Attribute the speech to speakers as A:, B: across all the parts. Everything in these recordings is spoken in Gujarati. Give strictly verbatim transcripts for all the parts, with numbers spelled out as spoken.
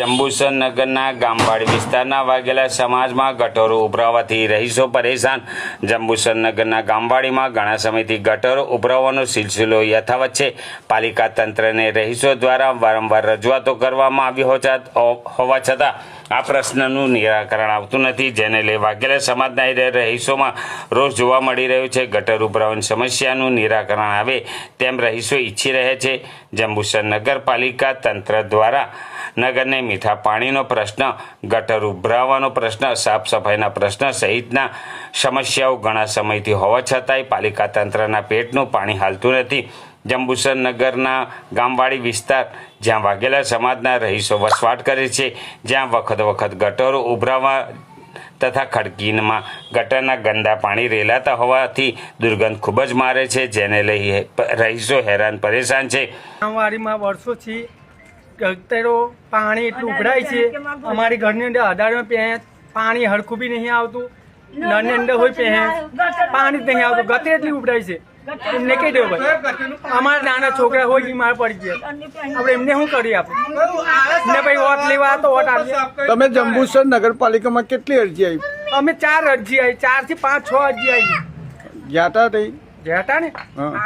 A: જંબુસર નગરના ગામવાડી વિસ્તારના વાઘેલા સમાજમાં ગટરો ઉભરાવાથી રહીશો પરેશાન। જંબુસર નગરના ગામવાડીમાં ઘણા સમયથી ગટરો ઉભરાવાનો સિલસિલો યથાવત છે। પાલિકા તંત્રને રહીશો દ્વારા વારંવાર રજૂઆતો કરવામાં આવી હોવા છતાં આ પ્રશ્નનું નિરાકરણ આવતું નથી, જેને લઈ વાઘેલા સમાજના રહીશોમાં રોષ જોવા મળી રહ્યો છે। ગટર ઉભરાવાની સમસ્યાનું નિરાકરણ આવે તેમ રહીશો ઈચ્છી રહે છે। જંબુસર નગરપાલિકા તંત્ર દ્વારા નગરને મીઠા પાણીનો પ્રશ્ન, ગટર ઉભરાવાનો પ્રશ્ન, સાફ સફાઈના પ્રશ્ન સહિતના સમસ્યાઓ ઘણા સમયથી હોવા છતાંય પાલિકા તંત્રના પેટનું પાણી હાલતું નથી। જંબુસર નગરના ગામવાડી વિસ્તાર જ્યાં વાઘેલા સમાજના રહીશો વસવાટ કરે છે, જ્યાં વખત વખત ગટરો ઉભરાવા તથા ખડકીમાં ગટરના ગંદા પાણી રેલાતા હોવાથી દુર્ગંધ ખૂબ જ મારે છે, જેને લઈ રહીશો હેરાન પરેશાન છે।
B: ગામવાડીમાં વર્ષોથી ગટરો પાણી એટલું ઉભરાય છે, અમારી ઘરની અંદર અઢારમાં પાણી હરખું બી નહીં આવતું, નળની અંદર હોય પહે પાણી જ નહીં આવતું, ગટર એટલી ઉભરાય છે। એમને કહી દેવું ભાઈ, અમારા નાના છોકરા હોય બીમાર પડી ગયા, આપણે એમને શું કરી આપે ને ભાઈ? વોટ લેવા તો વોટ આપીએ।
C: તમે જંબુસર નગરપાલિકામાં કેટલી અરજી આવી?
B: અમે ચાર અરજી આવી, ચાર થી પાંચ છ અરજી આવી
C: ગયા હતા તઈ
B: ગયા હતા ને।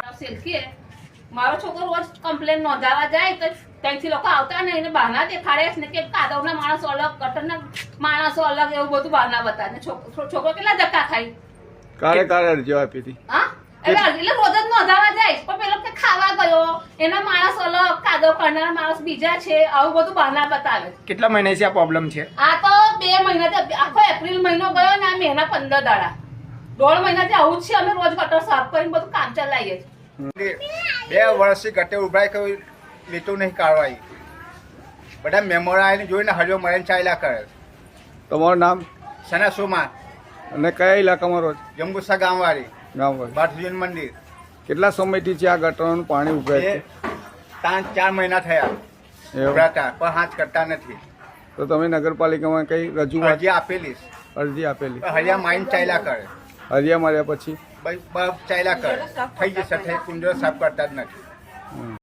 D: મારો છોકરો રોજ કમ્પ્લેન નોંધાવા જાય તો ત્યાંથી લોકો આવતા ને એને બહાના દેખાડે ને કે કાદવના માણસો અલગ, ગટરના માણસો અલગ, એવું બધું બહાના બતાવે। છોકરો કેટલા ધક્કા ખાઈ
C: કારે કારે અરજીઓ આપી હતી?
D: હા એટલે એટલે રોજ જ નોંધાવા જાય, પણ પેલો કે ખાવા ગયો એના માણસ અલગ, કાદવ કરનાર માણસ બીજા છે, આવું બધું બહાના બતાવે।
B: કેટલા મહિનાથી આ પ્રોબ્લેમ છે?
D: આ તો બે મહિનાથી, આખો એપ્રિલ મહિનો ગયો ને આ મહિના પંદર દાડા, દોઢ મહિનાથી આવું જ છે। અમે રોજ ગટર સાફ કરીને બધું કામ ચલાવીએ છીએ।
E: બે વર્ષથી ગટર ઉભરાય કોઈ લીટું નહીં કાઢવાય, બધા મેમોરા આવીને જોઈને હરિયો મળીને ચાલ્યા કરે।
C: તમારું નામ?
E: સના સોમા।
C: અને કયા ઇલાકામાં રહો છો?
E: જંબુસર ગામવાડી
C: ગામવાડી
E: બાથુજીન મંદિર।
C: કેટલા સમયથી છે આ ગટરનું પાણી ઉભરાય છે?
E: પાંચ ચાર મહિના થયા ઉભરાતા, પણ હાથ કરતા નથી।
C: તો તમે નગરપાલિકામાં કઈ રજૂઆત
E: અરજી આપેલી,
C: અરજી આપેલી?
E: હરિયા માઇન ચાલ્યા કરે,
C: હરિયા માર્યા પછી
E: ચાલ્યા કરે, થઈ જશે, થઈ કુંડો સાફ કરતા જ નથી।